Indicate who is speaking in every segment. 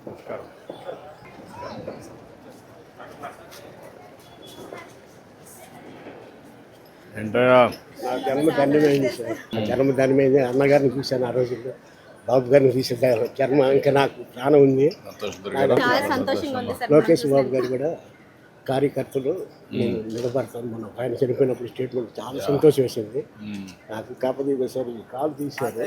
Speaker 1: ఏంటయ్యా
Speaker 2: నా జన్మ ధన్యమైంది సార్. నా జన్మ ధన్యమైంది. అన్నగారిని చూశాను ఆ రోజుల్లో, బాబు గారిని చూసాను. జన్మ ఇంకా నాకు ప్రాణం ఉంది. లోకేష్ బాబు గారు కూడా కార్యకర్తలు నేను నిలబడతాను. మనం ఆయన చనిపోయినప్పుడు స్టేట్మెంట్ చాలా సంతోషం వేసింది నాకు. కాకపోతే ఒకసారి కాలు తీశారు.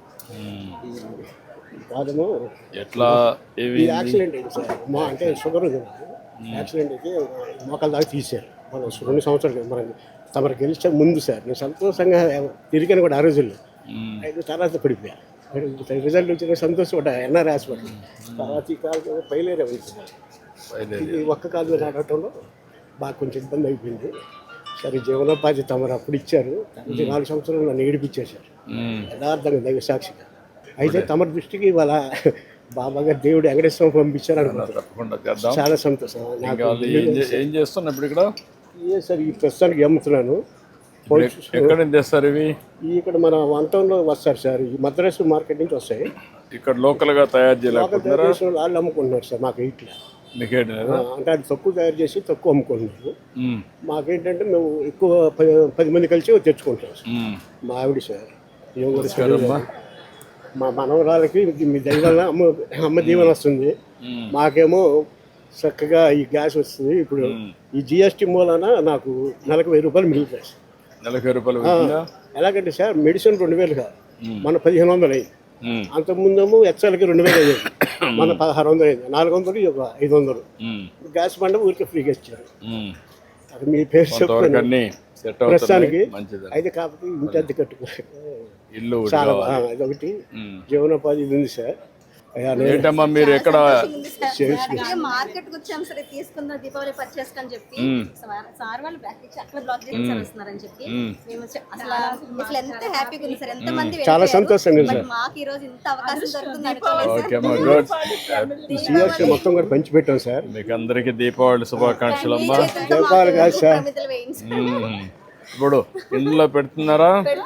Speaker 2: కాదము
Speaker 1: ఎట్లా
Speaker 2: ఈ యాక్సిడెంట్ అయింది సార్. మా అంటే షుగర్ ఉంది నాకు. యాక్సిడెంట్ అయితే మోకాల దాకా తీశారు. మనం 2 సంవత్సరాలు మనం తమరు గెలిచే ముందు సార్ నేను సంతోషంగా తిరిగాను కూడా ఆ రోజుల్లో. అయితే తర్వాత పడిపోయా. రిజల్ట్ వచ్చిన సంతోషపడ్డా ఎన్ఆర్ హాస్పిటల్. తర్వాత ఈ కాలు పైలేరే ఈ ఒక్క కాలు మీద నడవటంలో బాగా కొంచెం ఇబ్బంది అయిపోయింది. సరే జీవనోపాధి తమరు అప్పుడు ఇచ్చారు. 4 సంవత్సరాలు నన్ను ఏడిపించేశారు యథార్థంగా దైవ సాక్షిగా. అయితే తమ దృష్టికి ఇవాళ బాబా గారు దేవుడు వెంకటేశ్వరం పంపించారు అనుకుంటున్నాను. చాలా సంతోషం.
Speaker 1: ఏం చేస్తున్నా ఇప్పుడు ఇక్కడ
Speaker 2: సార్ ఈ ప్రస్తుతానికి అమ్ముతున్నాను.
Speaker 1: ఎక్కడ తెస్తారు ఇవి?
Speaker 2: ఇక్కడ మన 1 టౌన్లో వస్తారు సార్. ఈ మద్రాసు మార్కెట్ నుంచి వస్తాయి.
Speaker 1: ఇక్కడ లోకల్గా తయారు చేయలేకపోతున్నారా?
Speaker 2: వాళ్ళు అమ్ముకుంటున్నారు సార్. మాకు ఇట్లా
Speaker 1: మీకేంటి
Speaker 2: అంటే అది తక్కువ తయారు చేసి తక్కువ అమ్ముకుంటున్నారు. మాకేంటంటే మేము ఎక్కువ 10 మంది కలిసి తెచ్చుకుంటాం సార్. మా ఆవిడ సార్ మా మనవరాలకి మీ దైవాల అమ్మ దీవెన వస్తుంది. మాకేమో చక్కగా ఈ గ్యాస్ వస్తుంది. ఇప్పుడు ఈ జిఎస్టీ మూలాన నాకు నెలకు 1000 రూపాయలు మిగులుతాయి సార్.
Speaker 1: నెలకు 1000 రూపాయలు
Speaker 2: ఎలాగంటే సార్ మెడిసిన్ 2000 కాదు, మన 1500 అయ్యింది. అంతకుముందేమో హెచ్ఎల్కి 2000 అయ్యేది, మన 1600 అయింది. 400 ఒక 500. గ్యాస్ బండ ఊరికి ఫ్రీగా ఇచ్చారు. అది మీ పేరు చెప్తాను ప్రస్తుతానికి. అయితే కాకపోతే ఇంటి అద్దె కట్టుకో
Speaker 1: ఇల్లు
Speaker 2: చాలా అదొకటి జీవనోపాధి ఉంది సార్.
Speaker 1: ఏంటమ్మా మీరు ఎక్కడ
Speaker 3: మార్కెట్ వచ్చాం సరే తీసుకుందాం దీపావళి పర్చేస్ అని చెప్పి సార్ వాళ్ళు అట్లా బ్లాక్ చేస్తారని చెప్పి మేము అసలు ఎంత హ్యాపీగా ఉంది సార్. ఎంత మంది
Speaker 2: చాలా సంతోషంగా సార్.
Speaker 3: మాకు ఈ రోజు ఇంత అవకాశం దొరుకుతుంది.
Speaker 2: మొత్తం కూడా పంచి పెట్టాం సార్.
Speaker 1: మీకు అందరికి దీపావళి శుభాకాంక్షలు అమ్మా.
Speaker 2: దీపావళి కాదు సార్,
Speaker 1: ఇప్పుడు ఇంట్లో పెడుతున్నారా?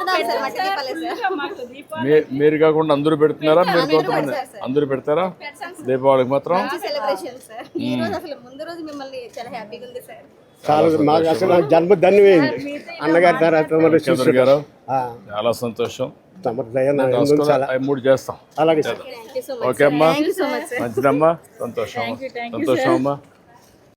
Speaker 1: మీరు కాకుండా అందరూ పెడుతున్నారా? మీరు కొంతమంది అందరూ పెడతారా దీపావళికి మాత్రం?
Speaker 2: చాలా మాకు అసలు జన్మ ధన్యమైంది అన్నగారి తర్వాత
Speaker 1: గారు. చాలా సంతోషం. 3 చేస్తాం.
Speaker 2: అలాగే సార్.
Speaker 1: ఓకే అమ్మా, మంచిదమ్మా. సంతోషం అమ్మా.